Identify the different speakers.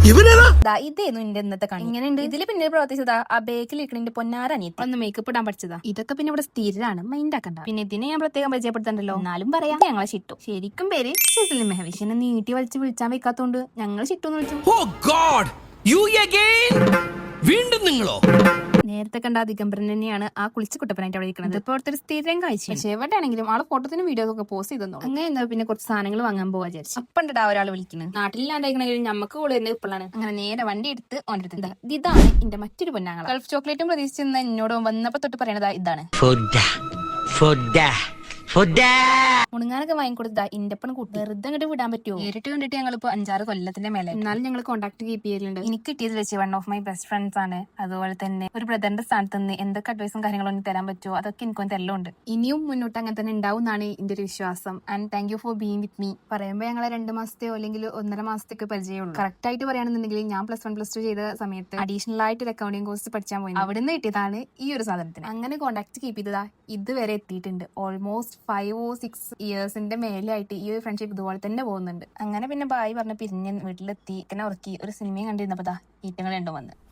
Speaker 1: ഇതേന്നു എന്റെ ഇന്നത്തെ കണി. ഇങ്ങനെയുണ്ട്. ഇതില് പിന്നെ പ്രവർത്തിച്ചതാ ആ ബേക്കിൽ ഇരിക്കണിന്റെ പൊന്നാരനിയത്തി ഒന്ന് മേക്കപ്പ് ഇടാൻ പഠിച്ചതാ. ഇതൊക്കെ പിന്നെ ഇവിടെ സ്ഥിരമാണ്, മൈൻഡ് ആക്കണ്ട. പിന്നെ ഇതിനെ ഞാൻ പ്രത്യേകം പരിചയപ്പെടുത്തണ്ടല്ലോ. എന്നാലും പറയാം, ഞങ്ങളെ ചിട്ടു. ശരിക്കും പേര് ഷിസ്ലി മെഹവിഷ്. എന്നെ നീട്ടി വലിച്ച് വിളിച്ചാൻ വെക്കാത്തോണ്ട് ഞങ്ങൾ ചിട്ടു എന്ന് വിളിച്ചു.
Speaker 2: വീണ്ടും നിങ്ങളോ?
Speaker 1: നേരത്തെ കണ്ട ദിഗംബരൻ തന്നെയാണ് ആ കുളിച്ച് കുട്ടപ്പനായിട്ട് അവിടെ ഇരിക്കുന്നത്. ഇപ്പോൾ അടുത്തൊരു സ്ഥിരം കാഴ്ച. പക്ഷെ എവിടെയാണെങ്കിലും ആള് ഫോട്ടോത്തിനും വീഡിയോസ് ഒക്കെ പോസ്റ്റ് ചെയ്തു. അങ്ങനെ എന്താ പിന്നെ കുറച്ച് സാധനങ്ങൾ വാങ്ങാൻ പോവാ വിചാരിച്ചു. അപ്പണ്ടാ ഒരാൾ വിളിക്കുന്നത്. നാട്ടിലാണ്ടെങ്കിലും നമുക്ക് കൂടെ തന്നെ ഇപ്പോഴാണ്. അങ്ങനെ നേരെ വണ്ടി എടുത്ത് ഓൻ്റെ ഇതാണ് എന്റെ മറ്റൊരു പൊന്നാങ്ങള. ഗൾഫ് ചോക്ലേറ്റും പ്രതീക്ഷിച്ചെന്ന് എന്നോട് വന്നപ്പോ തൊട്ട് പറയണതാ ഇതാണ്. മുണുങ്ങാനൊക്കെ വാങ്ങിക്കൊടുത്താ ഇന്റെപ്പണ് കൂട്ടി വെറുതെ അങ്ങോട്ട് വിടാൻ പറ്റുമോ? നേരിട്ട് കണ്ടിട്ട് ഞങ്ങളിപ്പോ 5-6 കൊല്ലത്തിന്റെ മേലെ. എന്നാലും ഞങ്ങൾ കോൺടാക്ട് കീപ്പ് ചെയ്യലുണ്ട്. എനിക്ക് കിട്ടിയത് വെച്ച് one of my best friends ആണ്. അതുപോലെ തന്നെ ഒരു ബ്രദറിന്റെ സ്ഥാനത്ത് നിന്ന് എന്തൊക്കെ അഡ്വൈസും കാര്യങ്ങളും തരാൻ പറ്റുമോ അതൊക്കെ എനിക്കൊന്ന് തെല്ലുണ്ട്. ഇനിയും മുന്നോട്ട് അങ്ങനെ തന്നെ ഉണ്ടാവും എന്നാണ് എന്റെ ഒരു വിശ്വാസം. And thank you for being with me. പറയുമ്പോൾ ഞങ്ങളെ 2 മാസത്തെയോ അല്ലെങ്കിൽ 1.5 മാസത്തേക്ക് പരിചയമുള്ളൂ. കറക്റ്റ് ആയിട്ട് പറയുകയാണെന്നുണ്ടെങ്കിൽ ഞാൻ +1+2 ചെയ്ത സമയത്ത് അഡീഷണൽ ആയിട്ട് ഒരു അക്കൗണ്ടിങ് കോഴ്സ് പഠിച്ചാൻ പോയി. അവിടെ നിന്ന് കിട്ടിയതാണ് ഈ ഒരു സാധനത്തിന്. അങ്ങനെ കോൺടാക്ട് കീപ്പ് ചെയ്തതാ ഇതുവരെ എത്തിയിട്ടുണ്ട്. ഓൾമോസ്റ്റ് 5 or 6 ഇയേഴ്സിന്റെ മേലെയായിട്ട് ഈ ഒരു ഫ്രണ്ട്ഷിപ്പ് ഇതുപോലെ തന്നെ പോകുന്നുണ്ട്. അങ്ങനെ പിന്നെ ബായ് പറഞ്ഞ് പിരിഞ്ഞ് വീട്ടിലെത്തി ഇങ്ങനെ ഉറക്കി ഒരു സിനിമയും കണ്ടിരുന്നപ്പോ ഈറ്റങ്ങൾ രണ്ടും വന്ന്